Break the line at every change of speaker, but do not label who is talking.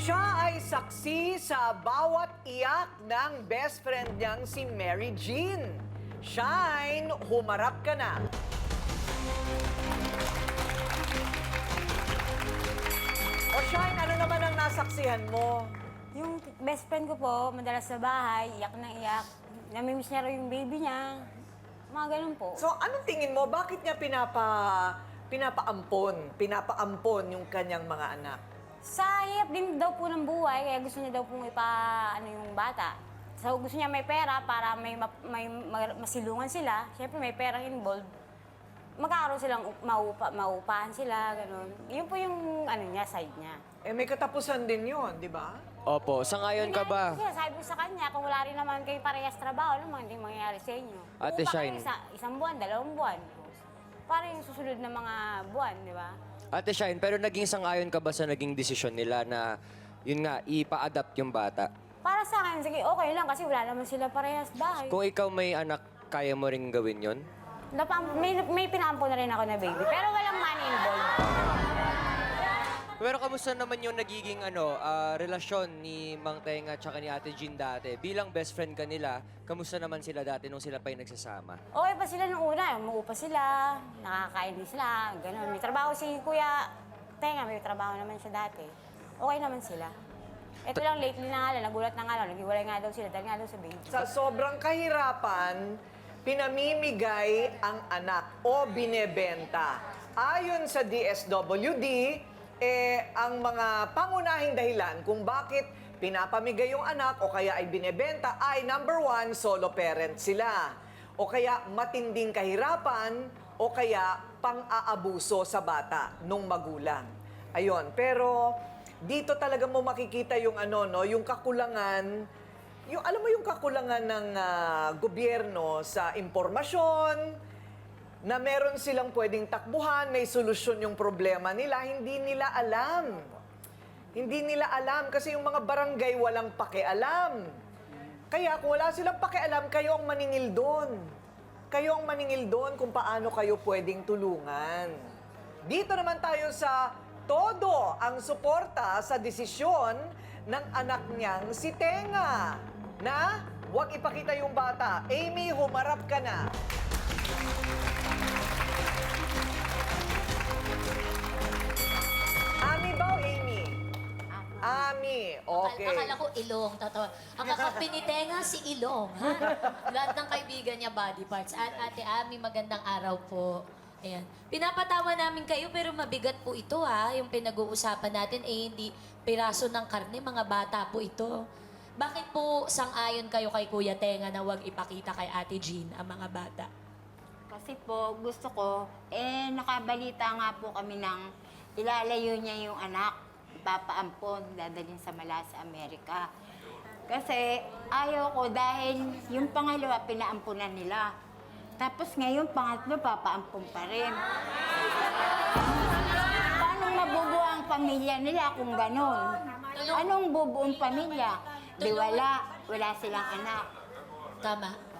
Siya ay saksi sa bawat iyak ng best friend niyang si Mary Jean. Shine, humarap ka na. O Shine, ano naman ang nasaksihan mo?
Yung best friend ko po, madalas sa bahay, iyak na iyak. Namimiss niya raw yung baby niya. Mga ganun po.
So, anong tingin mo? Bakit niya pinapaampon yung kanyang mga anak?
Sa hirap din daw po ng buhay, kaya gusto niya daw pong yung bata. So gusto niya may pera para masilungan sila. Siyempre may perang involved. Magkakaroon silang maupahan sila, gano'n. Yun po yung niya, side niya.
Eh, may katapusan din yun, di ba?
Opo, sangayon ka ba?
Kasi sabi ko sa kanya, kung wala rin naman kayo parehas trabaho, ano hindi mangyayari sa inyo.
Ate
Upa
Shine.
kayo isang buwan, 2 buwan. Para yung susunod na mga buwan, di ba?
Ate Shine, pero naging sangayon ka ba sa naging desisyon nila na, yun nga, ipa-adapt yung bata?
Para sa akin, sige, okay lang kasi wala naman sila parehas bahay.
Kung ikaw may anak, kaya mo ring gawin yon?
May pinampo na rin ako na baby, pero walang money involved.
Pero kamusta naman yung nagiging relasyon ni Mang Tenga at ni Ate Jean dati? Bilang best friend ka nila, kamusta naman sila dati nung sila pa yung nagsasama?
Okay pa sila nung una, umuupa sila, nakakain din sila, gano'n. May trabaho si Kuya Tenga, may trabaho naman siya dati. Okay naman sila. Ito lang, lately na nga lang, nagulat na nga lang, naghiwalay nga daw sila dahil nga daw sa baby.
Sa sobrang kahirapan, pinamimigay ang anak o binebenta. Ayon sa DSWD, ang mga pangunahing dahilan kung bakit pinapamigay yung anak o kaya ay binebenta ay number 1, solo parent sila. O kaya matinding kahirapan o kaya pang-aabuso sa bata nung magulang. Ayon, pero dito talaga mo makikita yung yung kakulangan, alam mo yung kakulangan ng gobyerno sa impormasyon, na meron silang pwedeng takbuhan, may solusyon yung problema nila, hindi nila alam. Hindi nila alam kasi yung mga barangay walang pakialam. Kaya kung wala silang pakialam, kayo ang maningil doon. Kayo ang maningil doon kung paano kayo pwedeng tulungan. Dito naman tayo sa todo ang suporta sa desisyon ng anak niyang si Tenga na huwag ipakita yung bata. Amy, humarap ka na. Ami ba o Amy? Ami. Okay.
Akala ko Ilong, totoo. Ang kakapinitenga si Ilong, ha? Lahat ng kaibigan niya body parts. At Ate Ami, magandang araw po. Ayan. Pinapatawa namin kayo pero mabigat po ito, ha? Yung pinag-uusapan natin, hindi piraso ng karne, mga bata po ito. Bakit po sang-ayon kayo kay Kuya Tenga na huwag ipakita kay Ate Jean ang mga bata?
Kasi po, gusto ko, nakabalita nga po kami ng ilalayo niya yung anak, ipapaampon, dadalhin sa Malasa, Amerika. Kasi ayaw ko dahil yung pangalawa, pinaampunan nila. Tapos ngayon, pangatlo, papaampon pa rin. Paano mabubuo ang pamilya nila kung ganon? Anong bubuong pamilya? Di wala silang anak.
Tama.